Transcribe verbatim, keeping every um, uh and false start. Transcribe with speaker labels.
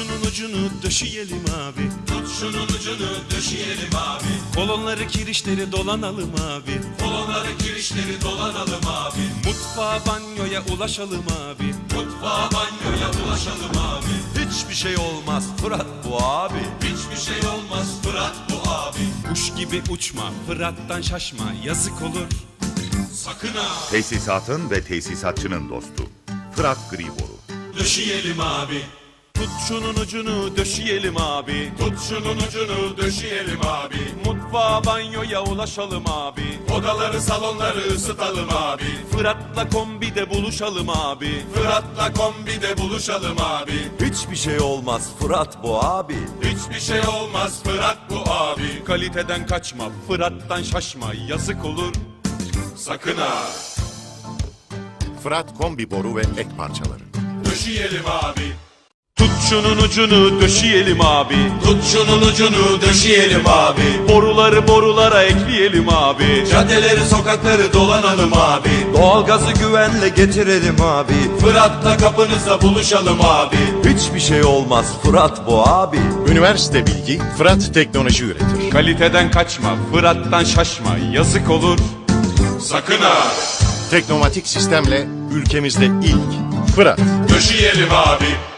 Speaker 1: şunun ucunu döşeyelim abi.
Speaker 2: Tut şunun ucunu döşeyelim abi.
Speaker 1: Kolonları kirişleri dolanalım abi.
Speaker 2: Kolonları kirişleri dolanalım abi.
Speaker 1: Mutfağa banyoya ulaşalım abi.
Speaker 2: Mutfağa banyoya ulaşalım abi.
Speaker 3: Hiçbir şey olmaz Fırat bu abi.
Speaker 2: Hiçbir şey olmaz Fırat bu abi.
Speaker 1: Kuş gibi uçma, Fırat'tan şaşma, yazık olur.
Speaker 2: Sakın ha.
Speaker 4: Tesisatın ve tesisatçının dostu. Fırat Gri Boru.
Speaker 2: Döşeyelim abi.
Speaker 1: Tut şunun ucunu döşeyelim abi.
Speaker 2: Tut şunun ucunu döşeyelim abi.
Speaker 1: Mutfağa banyoya ulaşalım abi.
Speaker 2: Odaları salonları ısıtalım abi.
Speaker 1: Fırat'la kombide buluşalım abi.
Speaker 2: Fırat'la kombide buluşalım abi.
Speaker 3: Hiçbir şey olmaz Fırat bu abi.
Speaker 2: Hiçbir şey olmaz Fırat bu abi.
Speaker 1: Kaliteden kaçma, Fırat'tan şaşma, yazık olur.
Speaker 2: Sakın ha.
Speaker 4: Fırat kombi boru ve ek parçaları.
Speaker 2: Döşeyelim abi.
Speaker 1: Tut şunun ucunu döşeyelim abi.
Speaker 2: Tut şunun ucunu döşeyelim abi.
Speaker 1: Boruları borulara ekleyelim abi.
Speaker 2: Caddeleri sokakları dolanalım abi.
Speaker 3: Doğalgazı güvenle getirelim abi.
Speaker 2: Fırat'la kapınızda buluşalım abi.
Speaker 3: Hiçbir şey olmaz Fırat bu abi.
Speaker 4: Üniversite bilgi Fırat teknoloji üretir.
Speaker 1: Kaliteden kaçma, Fırat'tan şaşma, yazık olur.
Speaker 2: Sakın ha.
Speaker 4: Teknomatik sistemle ülkemizde ilk Fırat.
Speaker 2: Döşeyelim abi.